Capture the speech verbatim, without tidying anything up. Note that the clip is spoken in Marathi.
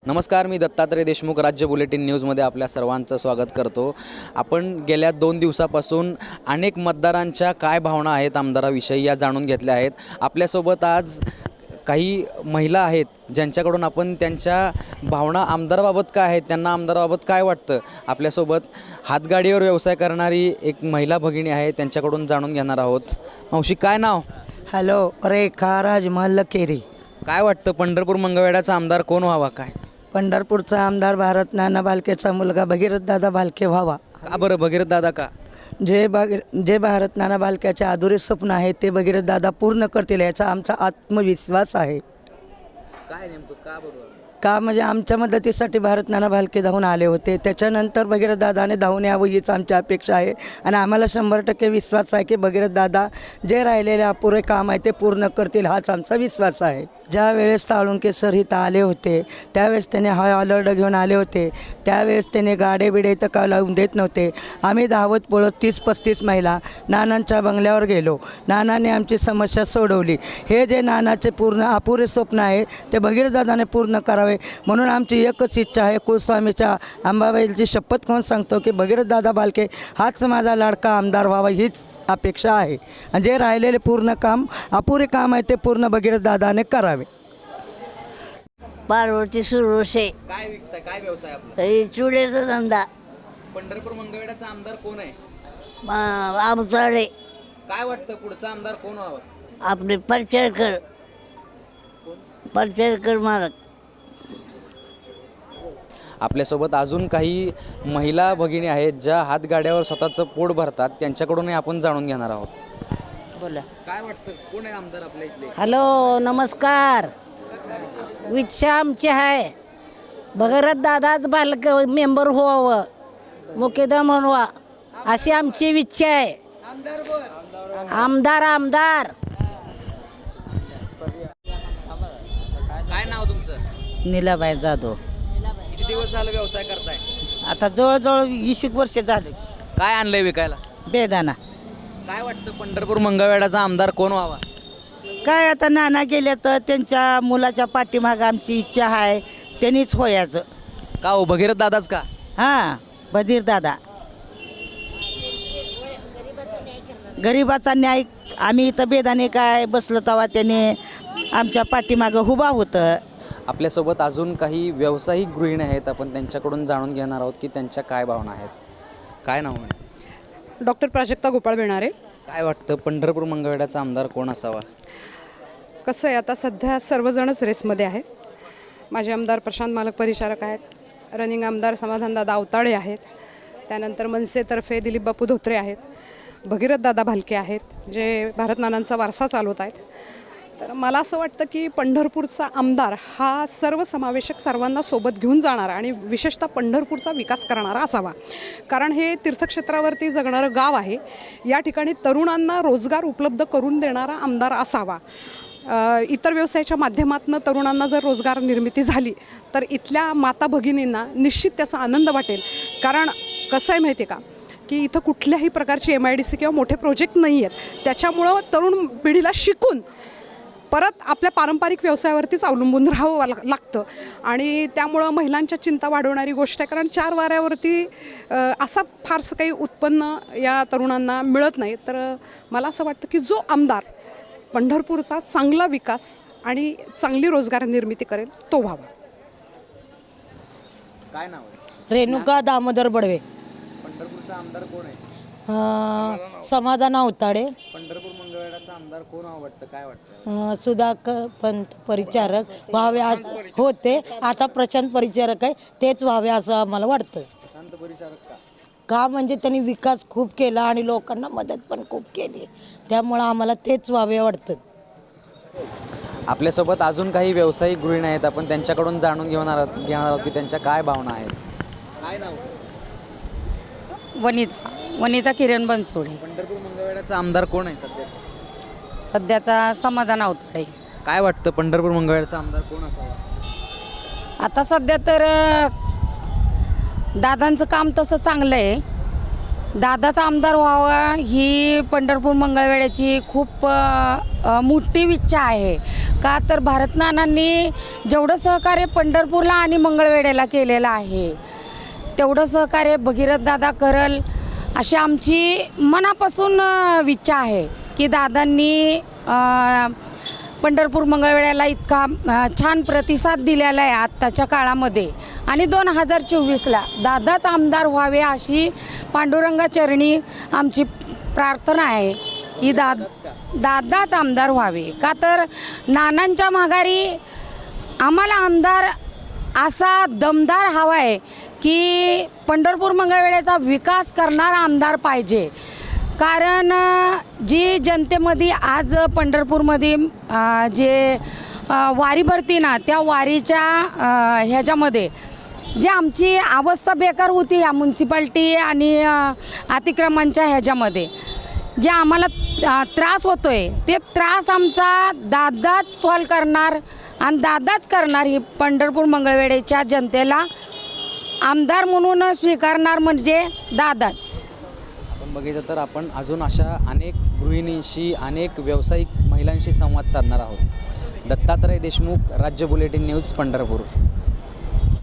नमस्कार, मी दत्तात्रय देशमुख, राज्य बुलेटिन न्यूजमध्ये आपल्या सर्वांचं स्वागत करतो। आपण गेल्या दोन दिवसापासून अनेक मतदारांच्या काय भावना आहेत आमदाराविषयी या जाणून घेतल्या आहेत। आपल्यासोबत आज काही महिला आहेत ज्यांच्याकडून आपण त्यांच्या भावना आमदाराबाबत काय आहेत, त्यांना आमदाराबाबत काय वाटतं, आपल्यासोबत हातगाडीवर व्यवसाय करणारी एक महिला भगिनी आहे, त्यांच्याकडून जाणून घेणार आहोत। मावशी, काय नाव? हॅलो, रेखा राजमहल केरी। काय वाटतं, पंढरपूर मंगळवेढ्याचा आमदार कोण व्हावा? काय पंढरपूरचा आमदार भारत नाना भालकेचा मुलगा भगीरथ दादा भालके व्हावा। का बरं भगीरथ दादा का? जे भगी जे भारत नाना भालक्याचे अधुरे स्वप्न आहे ते भगीरथ दादा पूर्ण करतील याचा आमचा आत्मविश्वास आहे। काय नेमकं का बरोबर? का म्हणजे आमच्या मदतीसाठी भारत नाना भालके धावून आले होते, त्याच्यानंतर भगीरथ दादाने धावून यावं हीच आमची अपेक्षा आहे आणि आम्हाला शंभर टक्के विश्वास आहे की भगीरथ दादा जे राहिलेले अपुरे काम आहे ते पूर्ण करतील हाच आमचा विश्वास आहे। ज्या वेळेस साळुंके सर इथं आले होते त्यावेळेस त्याने हाय अलर्ट घेऊन आले होते, त्यावेळेस त्याने गाडे बिडे इथं का लावून देत नव्हते। आम्ही धावत पळत तीस पस्तीस महिला नानांच्या बंगल्यावर गेलो, नानाने आमची समस्या सोडवली। हे जे नानाचे पूर्ण अपुरे स्वप्न आहे ते भगीरथ दादाने पूर्ण करावे म्हणून आमची एकच इच्छा आहे। कुलस्वामीच्या अंबाबाईची शपथ खाऊन सांगतो की भगीरथ दादा भालके हाच माझा लाडका आमदार व्हावा हीच अपेक्षा आहे आणि जे राहिलेले पूर्ण काम अपुरे काम आहे ते पूर्ण भगीरथ दादाने करावे। पार्वती सुरोशे। काय विकताय, काय व्यवसाय आपला? हे चुड्याचा धंदा। पंढरपूर मंगळवेढ्याचा आमदार कोण आहे? आमचाडे। काय वाटतं पुढचा आमदार कोण व्हावा? आपले परचरकर परचरकर मालक। आपल्यासोबत अजून काही महिला भगिनी आहेत ज्या हातगाड्यावर स्वतःचं पोट भरतात, त्यांच्याकडूनही आपण जाणून घेणार आहोत। बोला, काय वाटतं कोण आहे आमदार आपल्या इथले? हॅलो, नमस्कार। इच्छा आमची आहे भगीरथ दादाच बालक मेंबर व्हावं, मुकेदम व्हावा अशी आमची इच्छा आहे। आमदार आमदार काय नाव तुमचं? नीलाबाई जाधव। किती दिवस झालं व्यवसाय करताय? आता जवळजवळ वीस एक वर्ष झाले। काय आणलंय विकायला? बेदाना। काय वाटतं पंढरपूर मंगळवेढ्याचा आमदार कोण व्हावा? काय आता नाना गेले तर त्यांच्या मुलाच्या पाठीमागं आमची इच्छा आहे त्यांनीच होयाचं। का हो, भगीरथ दादाच का? हां, बधीर दादा। गरिबाचा न्याय आम्ही इथं बेदाने काय बसलो तेव्हा त्याने आमच्या पाठीमागं उभा होतं। आपल्यासोबत अजून काही व्यावसायिक गृहिणी आहेत, आपण त्यांच्याकडून जाणून घेणार आहोत की त्यांच्या काय भावना आहेत। काय नाव आहे? डॉक्टर प्राजक्ता गोपाळ बेणारे। काय वाटतं पंढरपूर मंगळवेढ्याचा आमदार कोण असावा? कसं आहे, आता सध्या सर्वजणच रेसमध्ये आहेत। माझे आमदार प्रशांत मालक परिचारक आहेत, रनिंग आमदार समाधानदादा अवताडे आहेत, त्यानंतर मनसेतर्फे दिलीप बापू धोत्रे आहेत, भगीरथ दादा भालके आहेत जे भारत नानांचा वारसा चालवत आहेत। तर मला असं वाटतं की पंढरपूरचा आमदार हा सर्वसमावेशक सर्वांना सोबत घेऊन जाणारा आणि विशेषतः पंढरपूरचा विकास करणारा असावा, कारण हे तीर्थक्षेत्रावरती जगणारं गाव आहे। या ठिकाणी तरुणांना रोजगार उपलब्ध करून देणारा आमदार असावा। इतर व्यवसायाच्या माध्यमातून तरुणांना जर रोजगार निर्मिती झाली तर इथल्या माता भगिनींना निश्चित त्याचा आनंद वाटेल, कारण कसं आहे माहिती आहे का की इथं कुठल्याही प्रकारची एम आय डी सी किंवा मोठे प्रोजेक्ट नाही आहेत, त्याच्यामुळं तरुण पिढीला शिकून परत आपल्या पारंपरिक व्यवसायावरतीच अवलंबून राहावं लाग लागतं आणि त्यामुळं महिलांच्या चिंता वाढवणारी गोष्ट आहे, कारण चार वाऱ्यावरती असा फारसं काही उत्पन्न या तरुणांना मिळत नाही। तर मला असं वाटतं की जो आमदार पंढरपूरचा चांगला विकास आणि चांगली रोजगार निर्मिती करेल तो व्हावा। काय नाव आहे? रेणुका दामोदर बडवे। पंढरपूरचा आमदार कोण आहे? समाधान अवताडे। पंढरपूर मंगळवेढ्याचा आमदार कोण वाटतं? काय वाटतं? सुधाकर पंत परिचारक व्हावे आज होते, आता प्रशांत परिचारक आहे तेच व्हावे असं आम्हाला वाटतं। प्रशांत परिचारक का? का म्हणजे त्यांनी विकास खूप केला आणि लोकांना मदत पण खूप केली, त्यामुळं आम्हाला तेच व्हावे वाटतं। आपल्यासोबत अजून काही व्यावसायिक गृहिणी आहेत, आपण त्यांच्याकडून जाणून घेणार घेणार आहोत की त्यांच्या काय भावना आहेत। काय नाव? वनिता वनिता किरण बनसोडे। पंढरपूर मंगळवेढ्याचा आमदार कोण आहे सध्याचा? सध्याचा समाधान अवताडे। काय वाटतं पंढरपूर मंगळवेढ्याचा आमदार कोण असावा? आता सध्या तर दादांचं काम तसं चांगलं आहे, दादाचा आमदार व्हावा ही पंढरपूर मंगळवेढ्याची खूप मोठी इच्छा आहे। का तर भारत नानांनी जेवढं सहकार्य पंढरपूरला आणि मंगळवेढ्याला केलेलं आहे तेवढं सहकार्य भगीरथ दादा करल अशी आमची मनापासून अ, इच्छा आहे की दादांनी अ, पंढरपूर मंगळवेढ्याला इतका अ, छान प्रतिसाद दिलेला आहे आत्ताच्या काळामध्ये आणि दोन हजार चोवीसला दादाच आमदार व्हावे अशी पांडुरंगाचरणी आमची प्रार्थना आहे की दा दादाच आमदार व्हावे. का तर नानांच्या माघारी आम्हाला आमदार असा दमदार हवा आहे की पंढरपूर मंगळवेढ्याचा विकास करणारा आमदार पाहिजे. कारण अ, जी जनतेमध्ये आज पंढरपूरमध्ये अ, जे अ, वारी भरती ना त्या वारीच्या अ, ह्याच्यामध्ये जी आमची अवस्था बेकार होती या म्युन्सिपाल्टी आणि अ, अतिक्रमणच्या ह्याच्यामध्ये जे आम्हाला अ, त्रास होतो आहे ते त्रास आमचा दादाच सॉल्व करणार आणि दादाच करणार ही पंढरपूर मंगळवेढ्याच्या जनतेला आमदार म्हणून स्वीकारणार म्हणजे दादाच. आपण बघितलं तर आपण अजून अशा अनेक गृहिणींशी अनेक व्यावसायिक महिलांशी संवाद साधणार आहोत. दत्तात्रय देशमुख, राज्य बुलेटिन न्यूज, पंढरपूर.